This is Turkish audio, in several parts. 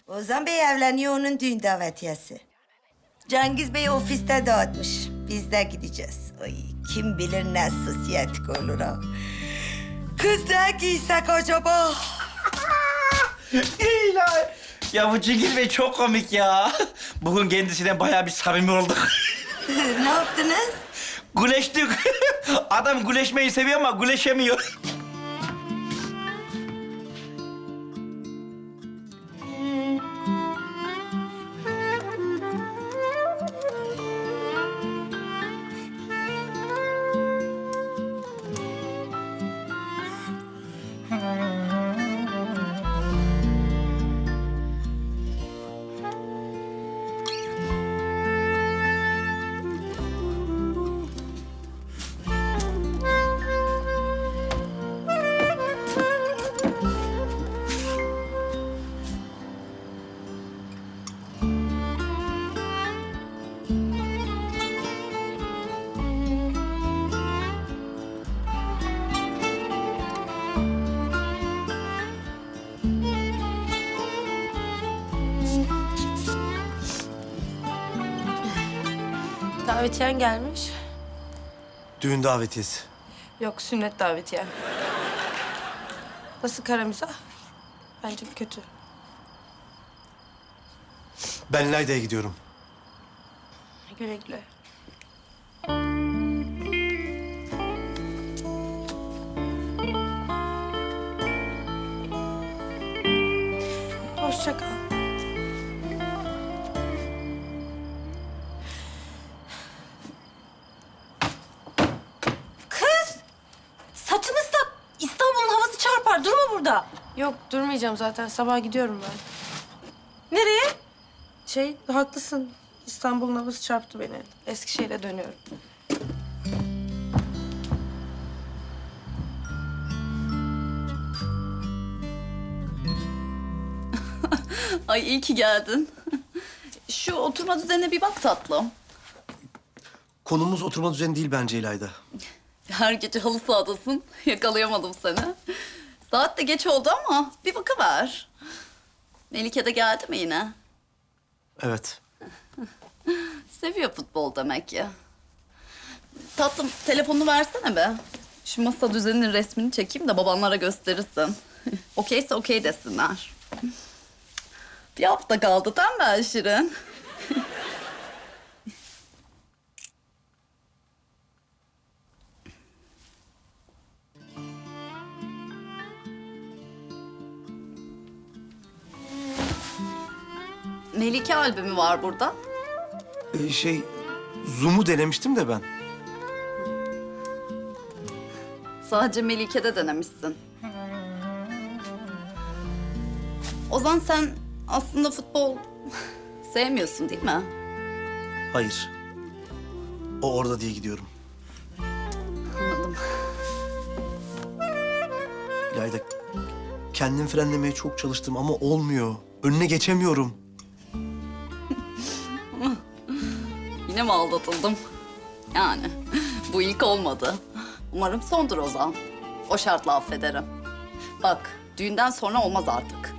Ozan Bey evleniyor, onun düğün davetiyesi. Cengiz Bey ofiste dağıtmış. Biz de gideceğiz. Ay, kim bilir ne sosyetik olur ha. Kız ne giysek acaba? İlahi. Ya bu Cengiz Bey çok komik ya. Bugün kendisiyle bayağı bir samimi olduk. Ne yaptınız? Güleştik. Adam güleşmeyi seviyor ama güleşemiyor. Davetiyen gelmiş. Düğün davetiyesi. Yok, sünnet davetiye. Nasıl kara mizah? Bence kötü. Ben Layda'ya gidiyorum. Güle güle. Hoşça kal. Saçını ıslak. İstanbul'un havası çarpar. Durma burada. Yok, durmayacağım zaten. Sabah gidiyorum ben. Nereye? Haklısın. İstanbul'un havası çarptı beni. Eskişehir'e dönüyorum. Ay iyi ki geldin. Şu oturma düzenine bir bak tatlım. Konumuz oturma düzeni değil bence İlayda. Her gece halı sahadasın. Yakalayamadım seni. Saat de geç oldu ama bir bakıver. Melike de geldi mi yine? Evet. Seviyor futbol demek ki. Tatlım telefonunu versene be. Şu masa düzeninin resmini çekeyim de babanlara gösterirsin. Okeyse okey desinler. Bir hafta kaldı değil mi Şirin? Melike albümü var burada. Zoom'u denemiştim de ben. Sadece Melike'de denemişsin. Ozan sen aslında futbol sevmiyorsun değil mi? Hayır. O orada diye gidiyorum. Anladım. İlayda, kendim frenlemeye çok çalıştım ama olmuyor. Önüne geçemiyorum. Yine mi aldatıldım? Yani bu ilk olmadı. Umarım sondur Ozan. O şartla affederim. Bak düğünden sonra olmaz artık.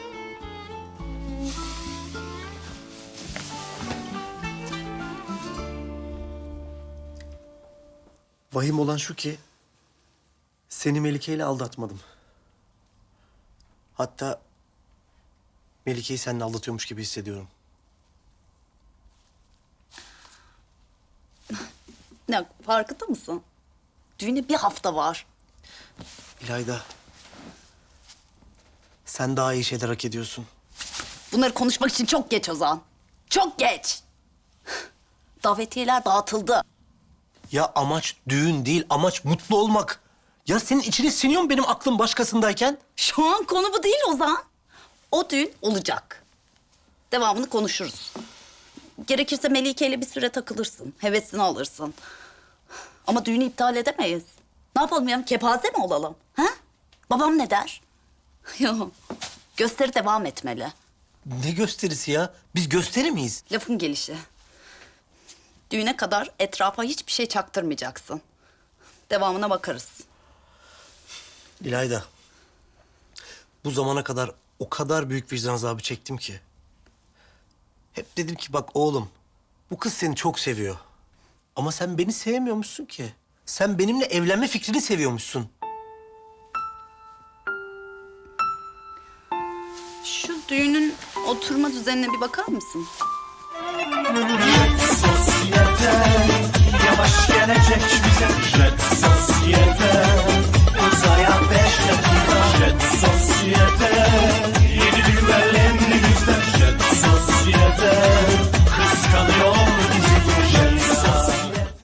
Vahim olan şu ki... seni Melike ile aldatmadım. Hatta... Melike'yi seninle aldatıyormuş gibi hissediyorum. Ne farkında mısın? Düğüne bir hafta var. İlayda... sen daha iyi şeyler hak ediyorsun. Bunları konuşmak için çok geç Ozan. Çok geç. Davetiyeler dağıtıldı. Ya amaç düğün değil, amaç mutlu olmak. Ya senin içine siniyor mu benim aklım başkasındayken? Şu an konu bu değil Ozan. O düğün olacak. Devamını konuşuruz. Gerekirse Melike ile bir süre takılırsın. Hevesini alırsın. Ama düğünü iptal edemeyiz. Ne yapalım ya? Kepaze mi olalım? Ha? Babam ne der? Yok. Gösteri devam etmeli. Ne gösterisi ya? Biz gösteri miyiz? Lafın gelişi. Düğüne kadar etrafa hiçbir şey çaktırmayacaksın. Devamına bakarız. İlayda, bu zamana kadar o kadar büyük vicdan azabı çektim ki. Hep dedim ki bak oğlum, bu kız seni çok seviyor. Ama sen beni sevmiyormuşsun ki. Sen benimle evlenme fikrini seviyormuşsun. Şu düğünün oturma düzenine bir bakar mısın? Sosyete yavaş gelecek bize. Jet sosyete